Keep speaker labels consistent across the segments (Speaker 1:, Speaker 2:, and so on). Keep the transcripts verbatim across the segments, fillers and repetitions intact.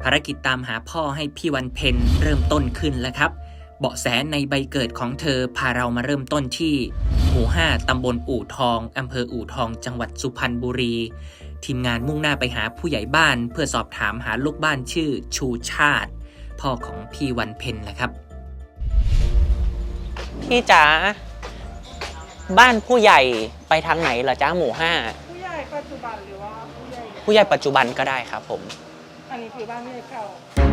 Speaker 1: ารกิจตามหาพ่อให้พี่วันเพ็ญเริ่มต้นขึ้นแล้วครับเบาะแสในใบเกิดของเธอพาเรามาเริ่มต้นที่หมู่ห้าตำบลอู่ทองอำเภออู่ทองจังหวัดสุพรรณบุรีทีมงานมุ่งหน้าไปหาผู้ใหญ่บ้านเพื่อสอบถามหาลูกบ้านชื่อชูชาติพ่อของพี่วันเพ็ญแหละครับพี่จ๋าบ้านผู้ใหญ่ไปทางไหนเหรอจ้าหมู่ห้า
Speaker 2: ผู้ใหญ่ปัจจุบันหรือว่าผู้ใหญ่
Speaker 1: ผู้ใหญ่ปัจจุบันก็ได้ครับผม
Speaker 2: อันนี้คือบ้านผู้ใหญ่เก่า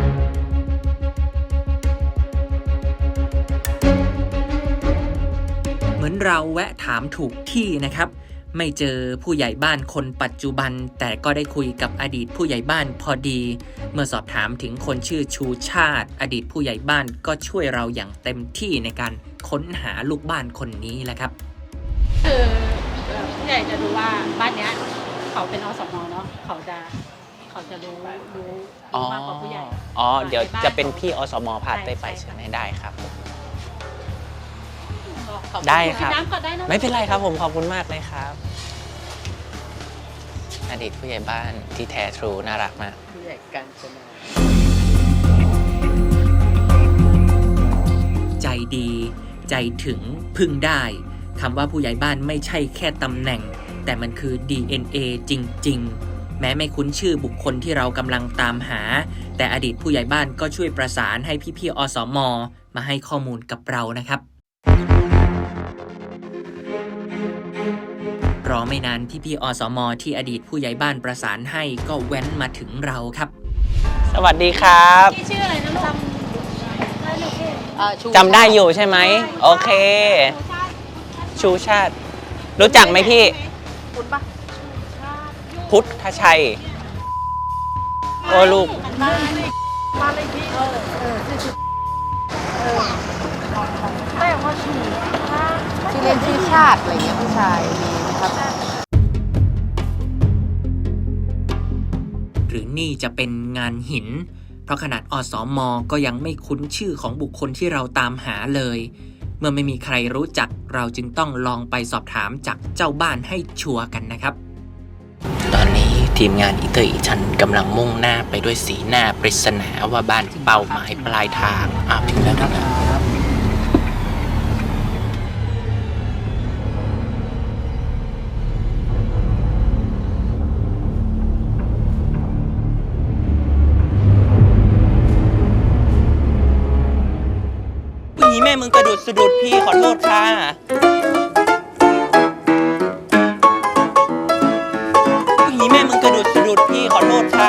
Speaker 1: เหมือนเราแวะถามถูกที่นะครับไม่เจอผู้ใหญ่บ้านคนปัจจุบันแต่ก็ได้คุยกับอดีตผู้ใหญ่บ้านพอดีเมื่อสอบถามถึงคนชื่อชูชาติอดีตผู้ใหญ่บ้านก็ช่วยเราอย่างเต็มที่ในการค้นหาลูกบ้านคนนี้แหละครับ
Speaker 3: คือผู้ใหญ่จะรู้ว่าบ้านเนี้ยเขาเป็นอสม.เนาะเขาจะเขาจะรู้รู้มากกว่าผู้ใหญ่
Speaker 1: อ๋อเดี๋ยวจะเป็นพี่อสม.พาไปไปใช่ไหมได้ครับได้ครับไม่เป็นไรครับผมขอบคุณมากเลยครับอดีตผู้ใหญ่บ้านที่แท้ทรูน่ารักมาก
Speaker 3: ผู้ใหญ่กันชนะ
Speaker 1: ใจดีใจถึงพึ่งได้คำว่าผู้ใหญ่บ้านไม่ใช่แค่ตำแหน่งแต่มันคือ ดี เอ็น เอ จริงๆแม้ไม่คุ้นชื่อบุคคลที่เรากำลังตามหาแต่อดีตผู้ใหญ่บ้านก็ช่วยประสานให้พี่ๆอสม.มาให้ข้อมูลกับเรานะครับรอไม่นานพี่ๆอสม.ที่อดีตผู้ใหญ่บ้านประสานให้ก็แว้นมาถึงเราครับสวัสดีครับ
Speaker 3: พี่ชื่ออะไรนะลู
Speaker 1: กจำได้อยู่ใช่ไหมโอเคชูชาติรู้จักไหมพี่
Speaker 3: พุทธปะ
Speaker 1: พุทธชัยโอ้ลูก
Speaker 3: มาเลยมาเลยพี่เออเออเออแต่ว่าชื่อชื่อเล่นชื่อชาติอะไรเงี้ยผู้ชายมีนะครับ
Speaker 1: หรือนี่จะเป็นงานหินเพราะขนาดอสม.ก็ยังไม่คุ้นชื่อของบุคคลที่เราตามหาเลยเมื่อไม่มีใครรู้จักเราจึงต้องลองไปสอบถามจากเจ้าบ้านให้ชัวร์กันนะครับตอนนี้ทีมงานอีเตอร์อีชันกำลังมุ่งหน้าไปด้วยสีหน้าปริศนาว่าบ้านเป้าหมายปลายทางอ้าวถึงแล้วนะครับนี่แม่มึงกระดุดสะดุดพี่ขอโทษค่ะนี่แม่มึงกระดุดสะดุดพี่ขอโทษค่ะ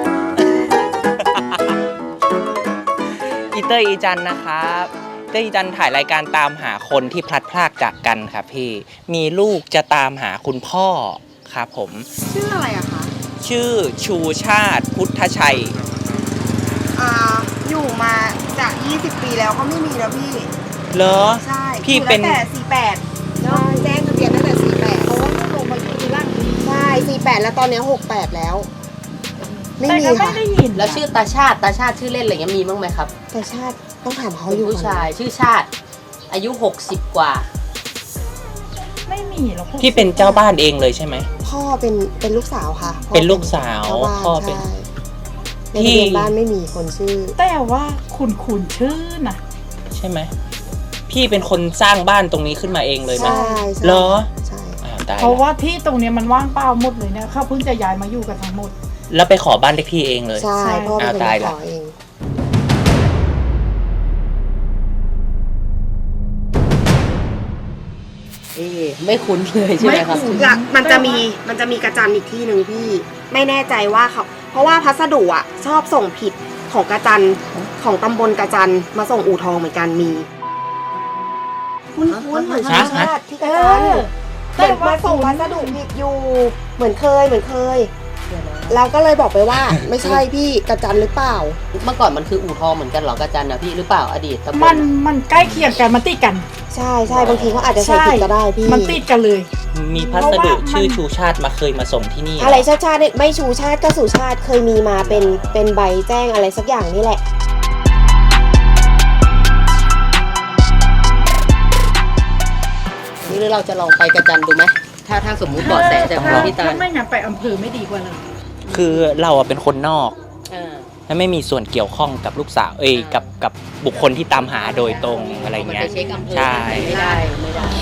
Speaker 1: อีเตอร์อีจันนะครับเตอร์อีจันถ่ายรายการตามหาคนที่พลัดพรากจากกันครับพี่มีลูกจะตามหาคุณพ่อครับผม
Speaker 2: ชื่ออะไรอะคะ
Speaker 1: ชื่อชูชาติพุทธชัย
Speaker 2: อ่าอยู่มาจากยี่สิบปีแล้วก็ไม่มีแล้วพี่
Speaker 1: เหรอ
Speaker 2: ใช่
Speaker 1: พี่เป็น
Speaker 2: ตั้งแต่สี่แปดแล้วแจ้งทะเบียนตั้งแต่สี่แปดเพราะว่าลงมาอยู่ที่ร่างใช่สี่แปดแล้วตอนนี้หกแปดแล้วไม่มีค่ะ
Speaker 3: แล้วชื่อตาชาติตาชาติชื่อเล่นอะไรเงี้ยมีบ้างไหมครับ
Speaker 2: ตาชาติต้องถามเขาอยู่
Speaker 3: ผู้ชายชื่อชาติอายุหกสิบกว่า
Speaker 2: ไม่มีหรอก
Speaker 1: พี่เป็นเจ้าบ้านเองเลยใช่ไหม
Speaker 2: พ่อเป็นเป็นลูกสาวค่ะ
Speaker 1: เป็นลูกสาวพ่อเป็น
Speaker 2: ในทะเบียนบ้านไม่มีคนชื่อ
Speaker 4: แต่ว่าคุณคุณชื่อนะ
Speaker 1: ใช่ไหมพี่เป็นคนสร้างบ้านตรงนี้ขึ้นมาเองเลยไหม
Speaker 2: ใช่
Speaker 1: เหรอ
Speaker 2: ใช่
Speaker 4: เพราะว่าที่ตรงนี้มันว่างเปล่าหมดเลยเนี่ยเขาเพิ่งจะย้ายมาอยู่กันทั้งหมด
Speaker 1: แล้วไปขอบ้านเลขที่เองเลย
Speaker 2: ใช่พ่อเป็นคนขอเอง
Speaker 3: เอ๊ไม่คุ้นเลยใช่ไหมครับ
Speaker 2: มันจะมีมันจะมีกระจันอีกที่หนึ่งพี่ไม่แน่ใจว่าเขาเพราะว่าพัสดุอ่ะชอบส่งผิดของกระจันของตำบลกระจันมาส่งอู่ทองเหมือนกันมีคุ้นคุ้นเหมือนชาติที่กระจันเหมือนมาส่งพัสดุผิดอยู่เหมือนเคยเหมือนเคยเราก็เลยบอกไปว่าไม่ใช่พี่กระจันหรือเปล่า
Speaker 3: เมื่อก่อนมันคืออู่ทองเหมือนกันหรอกระจันนะพี่หรือเปล่าอดีต
Speaker 4: มันมันใกล้เคียงกันมันติดกัน
Speaker 2: ใช่ใช่บางทีเขาอาจจะใส่ผิดก็ได้พี่
Speaker 4: มันติดกันเลย
Speaker 1: มีพัสดุชื่อชูชาติมาเคยมาส่งที่นี่
Speaker 2: อะไรชาติชาติไม่ชูชาติก็สุชาติเคยมีมาเป็นเป็นใบแจ้งอะไรสักอย่างนี่แหละ
Speaker 3: นี่เราจะลองไปกระจันดูไหมถ้าถ้าสมมุติเบาะแสจากพี่ตา
Speaker 4: ถ้าไม่งั้นไปอำเภอไม่ดีกว่าเลย
Speaker 1: คือเราเป็นคนนอกและไม่มีส่วนเกี่ยวข้องกับลูกสาวเอ้ยกับกับบุคคลที่ตามหาโดยตรงอะไรเงี้ย
Speaker 3: มันไปเช็คอำเภอ
Speaker 1: ใช่
Speaker 3: ไม่ได้ไม่ได้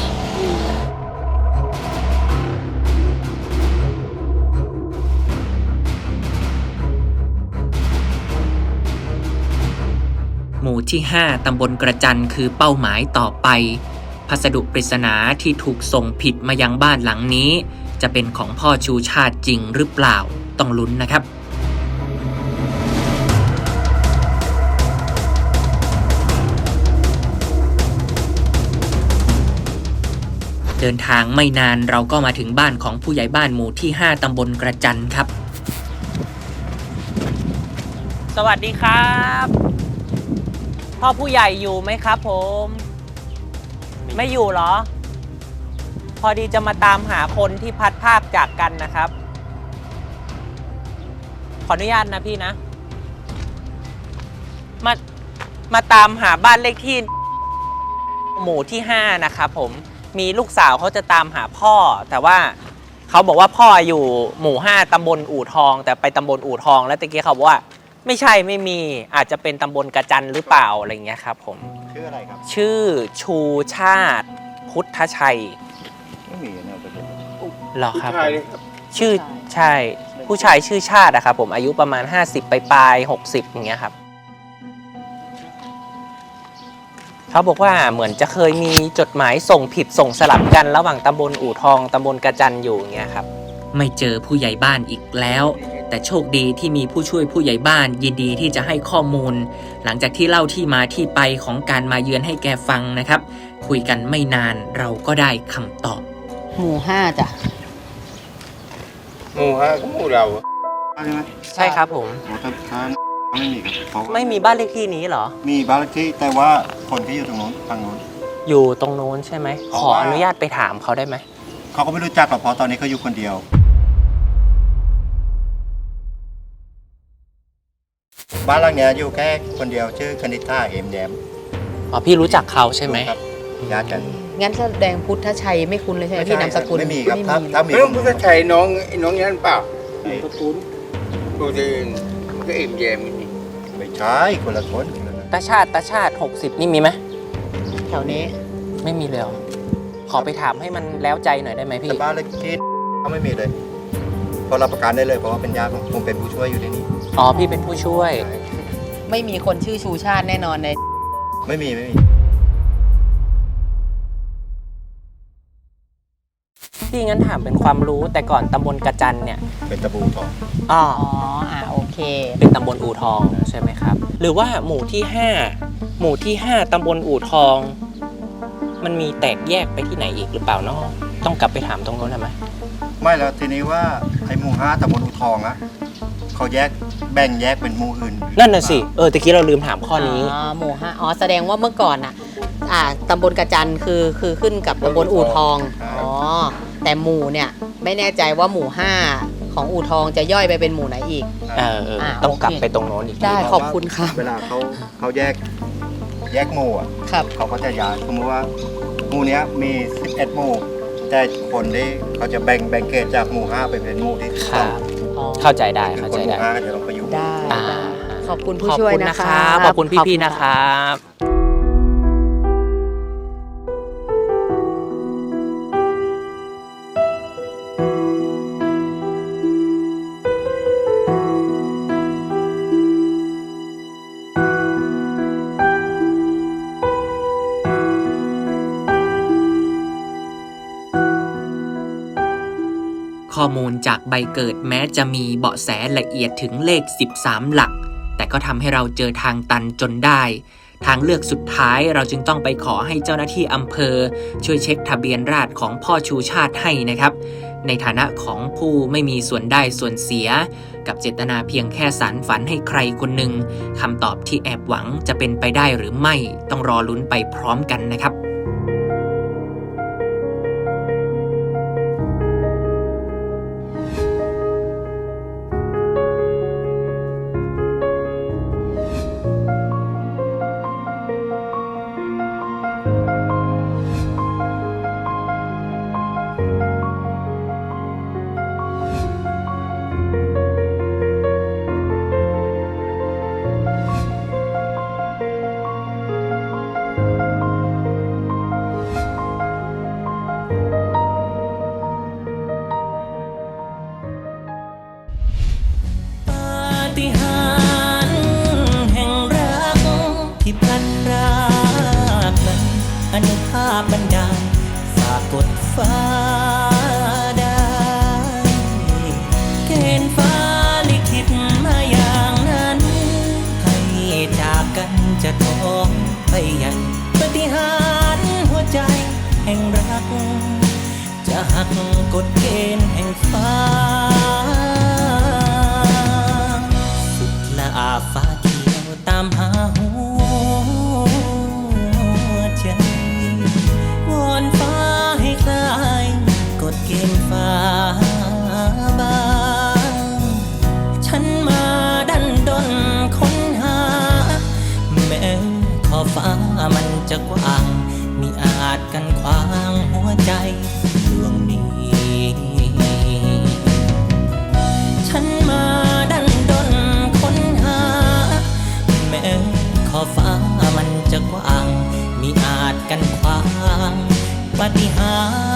Speaker 1: หมู่ที่ ห้า ตำบลกระจันคือเป้าหมายต่อไป พัสดุปริศนาที่ถูกส่งผิดมายังบ้านหลังนี้ จะเป็นของพ่อชูชาติจริงหรือเปล่าต้องลุ้นนะครับ เดินทางไม่นานเราก็มาถึงบ้านของผู้ใหญ่บ้านหมู่ที่ ห้า ตำบลกระจันครับ สวัสดีครับ พ่อผู้ใหญ่อยู่ไหมครับผม ไม่อยู่เหรอ พอดีจะมาตามหาคนที่พัดภาคจากกันนะครับ ขออนุญาตนะพี่นะ มามาตามหาบ้านเลขที่หมู่ที่ ห้า นะครับผมมีลูกสาวเขาจะตามหาพ่อ แต่ว่าเขาบอกว่าพ่ออยู่หมู่ ห้า ตำบลอู่ทอง แต่ไปตำบลอู่ทองแล้วตะกี้เขาบอกว่าไม่ใช่ไม่มีอาจจะเป็นตำบลกระจันหรือเปล่าอะไรเงี้ยครับผม
Speaker 5: ชื่ออะไรครับ
Speaker 1: ชื่อชูชาติพุทธชัย
Speaker 5: ไม่มีนะประเด็น
Speaker 1: เหรอครับผมชื่อใช่ผู้ชายชื่อชาติอะครับผมอายุประมาณ ห้าสิบ ปลายๆหกสิบอย่างเงี้ยครับเขาบอกว่าเหมือนจะเคยมีจดหมายส่งผิดส่งสลับกันระหว่างตำบลอู่ทองตำบลกระจันอยู่อย่างเงี้ยครับไม่เจอผู้ใหญ่บ้านอีกแล้ว แต่โชคดีที่มีผู้ช่วยผู้ใหญ่บ้านยินดีที่จะให้ข้อมูล หลังจากที่เล่าที่มาที่ไปของการมาเยือนให้แกฟังนะครับ คุยกันไม่นานเราก็ได้คำตอบ
Speaker 3: หมู่ห้าจ้ะ
Speaker 5: หมู่ฮะก็หมู่เราใช่ไหม
Speaker 1: ใช่ครับผม
Speaker 5: หมู่ทางไม่มีครับเขา
Speaker 1: ไม่มีบ้านเลขที่นี้เหรอ
Speaker 5: มีบ้านเลขที่แต่ว่าคนที่อยู่ตรงโน้นทางโน้น
Speaker 1: อยู่ตรงโน้นใช่ไหม
Speaker 5: เพราะ
Speaker 1: ขอ
Speaker 5: ว่า
Speaker 1: อนุญาตไปถามเขาได้ไหม
Speaker 5: เขาก็ไม่รู้จักหรอกเพราะตอนนี้เขาอยู่คนเดียว บ้านหลังเนี้ยอยู่แค่คนเดียวชื่อคณิธาเอ็มแยม
Speaker 1: อ๋อพี่รู้จักเขาใช่ไหม
Speaker 5: ครับญาติกัน
Speaker 3: งั้นแสดงพุทธชัยไม่คุ้นเลยใช่ไหมพี่นามสกุล
Speaker 5: ไม่มีครับถ้าถ้ามี
Speaker 6: เรื่องพุทธชัยน้องน้องยันเปล่า
Speaker 5: ไอ้
Speaker 6: ตระกูลตัวเองก็เอ็มแยมนี่
Speaker 5: ไม่ใช่คนละคน
Speaker 1: ตาชาติตาชาติหกสิบนี่มีไหม
Speaker 3: แถวนี้
Speaker 1: ไม่มีเลยเหรอขอไปถามให้มันแล้วใจหน่อยได้ไหมพี่
Speaker 5: แต่บ้านเลขที่เขาไม่มีเลยเพราะรับประกันได้เลยเพราะว่าเป็นญาติของผมเป็นผู้ช่วยอยู่ในนี้
Speaker 1: อ๋อพี่เป็นผู้ช่วย
Speaker 3: ไม่มีคนชื่อชูชาติแน่นอนใน
Speaker 5: ไม่มีไม่มี
Speaker 1: พี่งั้นถามเป็นความรู้แต่ก่อนตำบลกระจันเนี่ย
Speaker 5: เป็นตะบูทอง
Speaker 1: อ๋อ
Speaker 3: อ๋ออ่ะโอเค
Speaker 1: เป็นตำบลอู่ทองใช่ไหมครับ หรือว่าหมู่ที่ห้าหมู่ที่ห้าตำบลอู่ทอง มันมีแตกแยกไปที่ไหนอีกหรือเปล่าเนาะต้องกลับไปถามตรงนู้นใช่ไหม
Speaker 5: ไม่แล้วทีนี้ว่าไอ้หมู่ห้าตำบลอุทองอะเขาแยกแบ่งแยกเป็นหมู่อื่น
Speaker 1: นั่นน่ะสิเออตะกี้เราลืมถามข้อนี้
Speaker 3: อ๋อหมู่ห้าอ๋อแสดงว่าเมื่อก่อนอ่ะอ่าตำบลกระจันคือคือขึ้นกับตำบลอู่ทองอ๋อแต่หมู่เนี่ยไม่แน่ใจว่าหมู่ห้าของอู่ทองจะย่อยไปเป็นหมู่ไหนอีก
Speaker 1: เออเออ
Speaker 3: อ่า
Speaker 1: ต้อง
Speaker 3: โอเค
Speaker 1: กลับไปตรงโน้นอีกที
Speaker 3: ได้ขอบคุณค่ะ
Speaker 5: เวลาเขาเขาแยกแยกหมู่อะ
Speaker 3: ครับ
Speaker 5: เขาก็จะย้ายสมมติว่าหมู่เนี้ยมีสิบเอ็ดหมู่แต่คนที่เขาจะแบ่งแบ่งเกตจากหมู่ห้าไปเป็นหมู่ที่สิบ
Speaker 1: ค
Speaker 5: ส
Speaker 1: รั
Speaker 5: อง
Speaker 1: บ
Speaker 3: อ๋อ
Speaker 1: เข้าใจได้
Speaker 5: คือ
Speaker 1: เข้า
Speaker 5: คน
Speaker 1: ใจ
Speaker 5: หมู่
Speaker 1: ได้
Speaker 5: ห้าก็จะลงไปอยู่
Speaker 3: ได้
Speaker 1: อ่า
Speaker 3: ได้ขอบคุณผู้
Speaker 1: ขอบ
Speaker 3: ช่วย
Speaker 1: คุณ
Speaker 3: นะ
Speaker 1: นะคะ รับขอบคุณพี่ๆนะครับ ข้อมูลจากใบเกิดแม้จะมีเบาะแสละเอียดถึงเลขสิบสามหลัก แต่ก็ทำให้เราเจอทางตันจนได้ ทางเลือกสุดท้ายเราจึงต้องไปขอให้เจ้าหน้าที่อำเภอ ช่วยเช็คทะเบียนราษฎรของพ่อชูชาติให้นะครับ ในฐานะของผู้ไม่มีส่วนได้ส่วนเสีย กับเจตนาเพียงแค่สารฝันให้ใครคนหนึ่งคำตอบที่แอบหวังจะเป็นไปได้หรือไม่ต้องรอลุ้นไปพร้อมกันนะครับ
Speaker 7: ฟ้าได้เกณฑ์ฟ้าลิขิตมาอย่างนั้นให้จากกันจะท้องไปใหญ่ปฏิหารย์หัวใจแห่งรักจะหักกฎเกณฑ์แห่งฟ้าสุดละอาฟ้าเขียวตามหาหัวใจวอนฟ้าให้คลายกฎเกณฑ์ฟ้าบางฉันมาดันดนค้นหาแม้ขอบฟ้ามันจะกว้างมิอาจกันขวางหัวใจดวงนี้ฉันมาดันดนค้นหาแม้ขอบฟ้ามันจะกว้างมิอาจกันขวางปาฏิหา